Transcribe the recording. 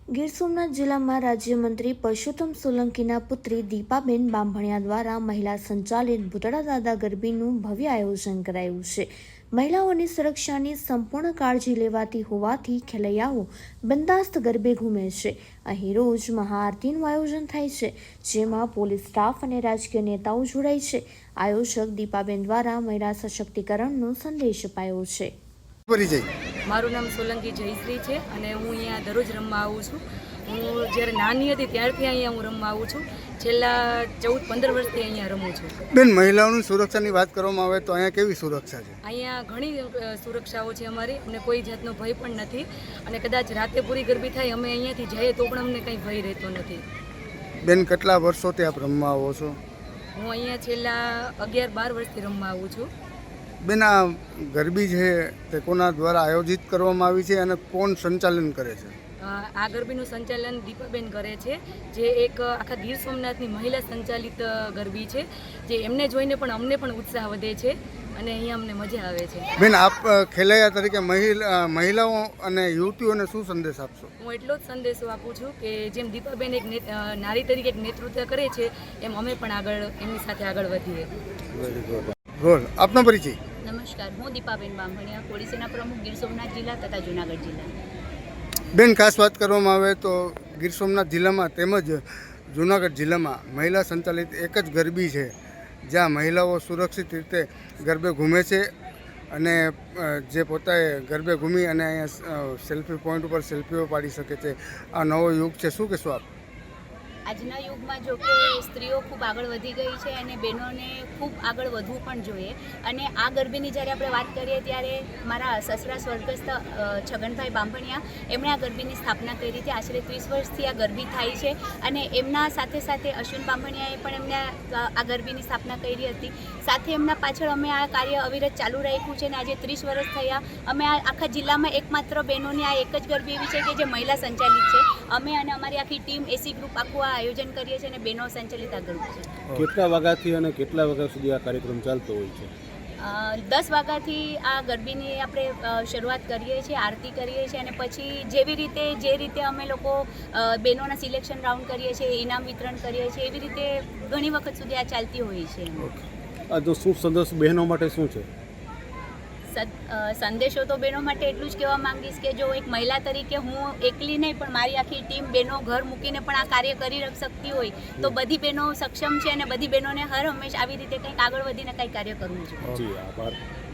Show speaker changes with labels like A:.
A: ગીર સોમનાથ જિલ્લામાં રાજ્યમંત્રી પરસોત્તમ સોલંકીના પુત્રી દીપાબેન બાંભણિયા દ્વારા મહિલા સંચાલિત ભૂતળા દાદા ગરબીનું ભવ્ય આયોજન કરાયું છે. મહિલાઓની સુરક્ષાની સંપૂર્ણ કાળજી લેવાતી હોવાથી ખેલૈયાઓ બંદાસ્ત ગરબે ઘૂમે છે. અહીં રોજ મહાઆરતીનું આયોજન થાય છે, જેમાં પોલીસ સ્ટાફ અને રાજકીય નેતાઓ જોડાય છે. આયોજક દીપાબેન દ્વારા મહિલા સશક્તિકરણનો સંદેશ અપાયો છે.
B: મારું નામ સોલંકી જયશ્રી છે અને હું અહીંયા દરરોજ રમવા આવું છું. હું જ્યારે નાની હતી ત્યારથી અહીંયા હું રમવા આવું છું. છેલ્લા 14-15 વર્ષથી અહીંયા રમું છું.
C: બેન, મહિલાઓની સુરક્ષાની વાત કરવામાં આવે તો અહીંયા કેવી સુરક્ષા છે?
B: અહીંયા ઘણી સુરક્ષાઓ છે અમારી, અમને કોઈ જાતનો ભય પણ નથી અને કદાચ રાતે પૂરી ગરબી થાય અમે અહીંયાથી જઈએ તો પણ અમને કંઈ ભય રહેતો નથી.
C: બેન, કેટલા વર્ષોથી આપ રમવા આવો છો?
B: હું અહીંયા છેલ્લા 11-12 વર્ષથી રમવા આવું છું.
C: બેન, આ ગરબી છે તે કોના દ્વારા આયોજિત કરવામાં આવી છે અને કોણ સંચાલન કરે છે?
B: આ ગરબીનું સંચાલન દીપાબેન કરે છે, જે એક આખા ગીર સોમનાથની મહિલા સંચાલિત ગરબી છે, જે એમને જોઈને પણ અમને પણ ઉત્સાહ વધે છે અને અહીંયા અમને મજા આવે છે.
C: બેન, આપ ખેલૈયા તરીકે મહિલાઓ અને યુવતીઓને શું સંદેશ આપશો?
B: હું એટલો જ સંદેશો આપું છું કે જેમ દીપાબેન એક નારી તરીકે એક નેતૃત્વ કરે છે, એમ અમે પણ આગળ એમની સાથે આગળ વધીએ.
C: ગોળ, આપનો પરિચય.
D: નમસ્કાર, હું દીપાબેન બાંભણિયા, પોલીસ સેના પ્રમુખ, ગીર સોમનાથ જિલ્લા તથા જૂનાગઢ જિલ્લા.
C: બેન, ખાસ વાત કરવામાં આવે તો ગીર સોમનાથ જિલ્લામાં તેમજ જૂનાગઢ જિલ્લામાં મહિલા સંચાલિત એક જ ગરબી છે, જ્યાં મહિલાઓ સુરક્ષિત રીતે ગરબે ઘૂમે છે અને જે પોતે ગરબે ઘૂમી અને અહીંયા સેલ્ફી પોઈન્ટ ઉપર સેલ્ફીઓ પાડી શકે છે. આ નવો યુગ છે, શું કહેશો આપ?
D: આજના યુગમાં જો કે સ્ત્રીઓ ખૂબ આગળ વધી ગઈ છે અને બહેનોને ખૂબ આગળ વધવું પણ જોઈએ. અને આ ગરબીની જ્યારે આપણે વાત કરીએ ત્યારે મારા સસરા સ્વર્ગસ્થ છગનભાઈ બાંભણિયા એમણે આ ગરબીની સ્થાપના કરી હતી. આશરે 30 વર્ષથી આ ગરબી થાય છે અને એમના સાથે સાથે અશ્વિન બાંભણિયાએ પણ એમને આ ગરબીની સ્થાપના કરી હતી. સાથે એમના પાછળ અમે આ કાર્ય અવિરત ચાલુ રાખ્યું છે અને આજે 30 વર્ષ થયા. અમે આ આખા જિલ્લામાં એકમાત્ર બહેનોની આ એક જ ગરબી એવી છે કે જે મહિલા સંચાલિત છે. અમે અને અમારી આખી ટીમ એસી ગ્રુપ આખું આયોજન કરીએ છીએ અને બહેનો સંચાલિત આ ગ્રુપ છે.
E: કેટલા વાગ્યાથી અને કેટલા વાગ્યા સુધી આ કાર્યક્રમ ચાલતો હોય છે?
D: 10 વાગ્યાથી આ ગરબીની આપણે શરૂઆત કરીએ છીએ, આરતી કરીએ છીએ અને પછી જે રીતે અમે લોકો બહેનોના સિલેક્શન રાઉન્ડ કરીએ છીએ, ઇનામ વિતરણ કરીએ છીએ, એવી રીતે ઘણી વખત સુધી આ ચાલતી હોય છે.
E: આ તો શું સંદેશ બહેનો માટે શું છે?
D: સંદેશો તો બહેનો માટે એટલું જ કહેવા માંગીશ કે જો એક મહિલા તરીકે હું એકલી નહીં પણ મારી આખી ટીમ બહેનો ઘર મૂકીને પણ આ કાર્ય કરી શકતી હોય તો બધી બહેનો સક્ષમ છે અને બધી બહેનોને હર હંમેશા આવી રીતે કંઈક આગળ વધીને કંઈક કાર્ય કરવું જોઈએ.
E: જી, આભાર.